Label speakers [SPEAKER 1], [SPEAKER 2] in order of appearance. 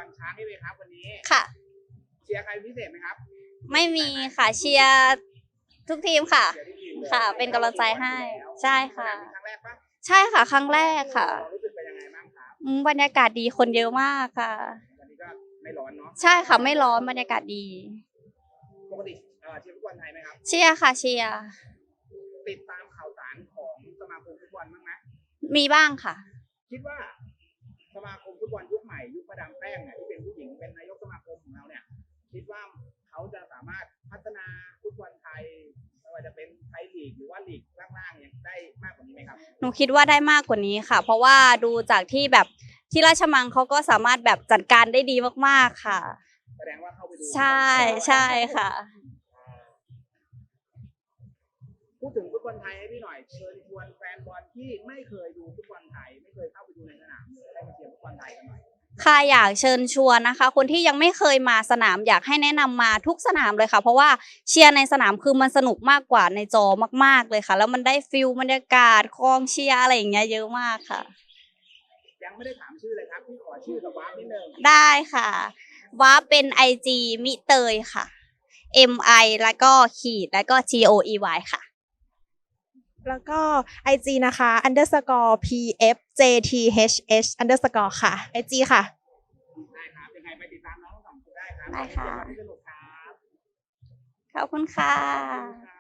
[SPEAKER 1] รช้างให้เลยครับวันนี้
[SPEAKER 2] ค่ะ
[SPEAKER 1] เชียร์ใครพิเศษไหมครับ
[SPEAKER 2] ไม่มีค่ะเชียร์ทุกทีมค่ะค่ะเป็นกำลังใจให้ใช่ค่ะ
[SPEAKER 1] ครั้งแรกปะ
[SPEAKER 2] ใช่ค่ะครั้งแรกค่ะ
[SPEAKER 1] รู้สึกเป็นยังไงบ้างครับ
[SPEAKER 2] บรรยากาศดีคนเยอะมากค่ะ
[SPEAKER 1] วันนี้ก็ไม่ร้อนเนาะ
[SPEAKER 2] ใช่ค่ะไม่ร้อนบรรยากาศดี
[SPEAKER 1] ปกติเชียร์ฟุตบอลไทยไหมครับ
[SPEAKER 2] เชียร์ค่ะเชียร์
[SPEAKER 1] ติดตามข่าวสารของสมาคมฟุตบอลบ้างไหม
[SPEAKER 2] มีบ้างค่ะ
[SPEAKER 1] คิดว่าสมาคมฟุตบอลยุคใหม่ยุคประดามแป้งเนี่ยที่เป็นผู้หญิงเป็นนายกสมาคมของเราเนี่ยคิดว่าเขาจะสามารถพัฒนาฟุตบอลไทยไม่ว่าจะเป็นไทยลีกหรือว่าลีกล่างๆเนี่ยได้มากกว่านี้ไหมครับ
[SPEAKER 2] หนูคิดว่าได้มากกว่านี้ค่ะเพราะว่าดูจากที่แบบที่ราชมังเขาก็สามารถแบบจัดการได้ดีมากๆค่ะ
[SPEAKER 1] แสดงว่าเข้าไปดู
[SPEAKER 2] ใช่ใช่ค่ะ
[SPEAKER 1] พูดถึงฟุตบอลไทยให้พี่หน่อยเชิญชวนแฟนบอลที่ไม่เคยดูฟุตบอลไทยไม่เคยเข้าไปดูในสนามเลยให้มาเชียร์ฟุตบอลไทยกันหน่อย
[SPEAKER 2] ค่ะอยากเชิญชวนนะคะคนที่ยังไม่เคยมาสนามอยากให้แนะนำมาทุกสนามเลยค่ะเพราะว่าเชียร์ในสนามคือมันสนุกมากกว่าในจอมากๆเลยค่ะแล้วมันได้ฟิลบรรยากาศกองเชียร์อะไรอย่างเงี้ยเยอะมากค่ะ
[SPEAKER 1] ยังไม่ได้ถามชื่อเลยครับพี่ขอชื่อกับวาร์ปนิดนึง
[SPEAKER 2] ได้ค่ะวาร์ปเป็น IG มิเตยค่ะ MI แล้วก็ขีดแล้วก็ GOEY ค่ะ
[SPEAKER 3] แล้วก็ IG นะคะ _PFJTHH_ ค่ะ IG ค่ะ
[SPEAKER 1] ได้ครับยังไงไปติดตามน้องทั้งสองคนได้ครับ
[SPEAKER 2] ได้ค่ะ
[SPEAKER 1] สนุกครับ
[SPEAKER 2] ขอบคุณค่ะ